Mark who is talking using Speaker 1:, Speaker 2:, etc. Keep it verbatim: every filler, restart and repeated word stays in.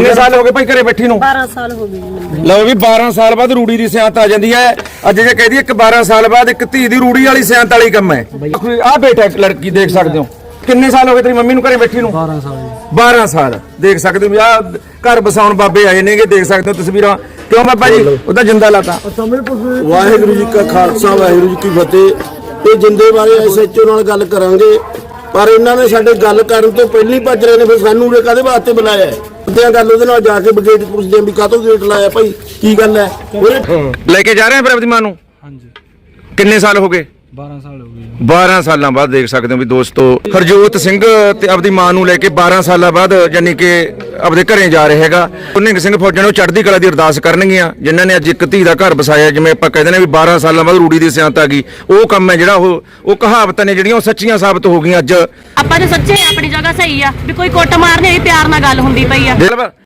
Speaker 1: कितने साल हो गए भाई घरे बैठी नूं?
Speaker 2: बारह साल हो गए।
Speaker 1: लो भी बारह साल बाद रूड़ी दी सियांत आ जाती है। अज जे कह दी एक बारह साल बाद एक धी दी रूड़ी वाली सियांत वाली कम है। आ बेटा एक लड़की देख सकते हो, किन्ने साल हो गए तेरी मम्मी नूं घरे बैठी नूं?
Speaker 3: बारह साल
Speaker 1: बारह साल देख सकते हो। आ घर बसाउण बाबे आए ने, देख सकते हो तस्वीरां। क्यों बाबा जी उदा जिंदा लाता?
Speaker 4: वाहिगुरू जी का खालसा वाहिगुरू जी की फतेह। ये जिंदे बारे एसएचओ नाल गल करांगे, पर इन्हां ने साडे गल करन तो पहली भज रहे ने। फिर सानू उरे काहदे वास्ते बुलाया है? उद्या गल उहदे नाल जाके गेट पुछदे ਆਂ ਵੀ ਕਾਹਤੋਂ गेट लाया भाई, की गल है?
Speaker 1: लेके जा रहे हैं फिर अपनी मां नूं?
Speaker 3: हाँ जी
Speaker 1: किन्ने साल हो गए?
Speaker 3: बारह साल हो गए।
Speaker 1: बारह साल बाद देख सकते हो भी दोस्तों, हरजोत सिंह ते अपनी मां नूं लेके बारह साल बाद यानी कि अपने घरें जा रहे हैगा। निहंग सिंह फौजां नूं चढ़दी कला दी अरदास करनगियां, जिन्हां ने अज एक धी दा घर बसाया। जिवें आपां कहदे ने भी बारह साल बाद रूड़ी दी सियांत आ गई, ਉਹ ਕੰਮ ਹੈ ਜਿਹੜਾ ਉਹ ਉਹ ਕਹਾਵਤਾਂ ਨੇ ਜਿਹੜੀਆਂ ਉਹ ਸੱਚੀਆਂ ਸਾਬਤ ਹੋ ਗਈਆਂ ਅੱਜ।
Speaker 2: ਆਪਾਂ ਜੇ ਸੱਚੇ ਆਪਣੀ ਜਗ੍ਹਾ ਸਹੀ ਆ ਵੀ ਕੋਈ ਕੁੱਟ ਮਾਰਨੇ ਪਿਆਰ ਨਾਲ ਗੱਲ ਹੁੰਦੀ ਪਈ ਆ।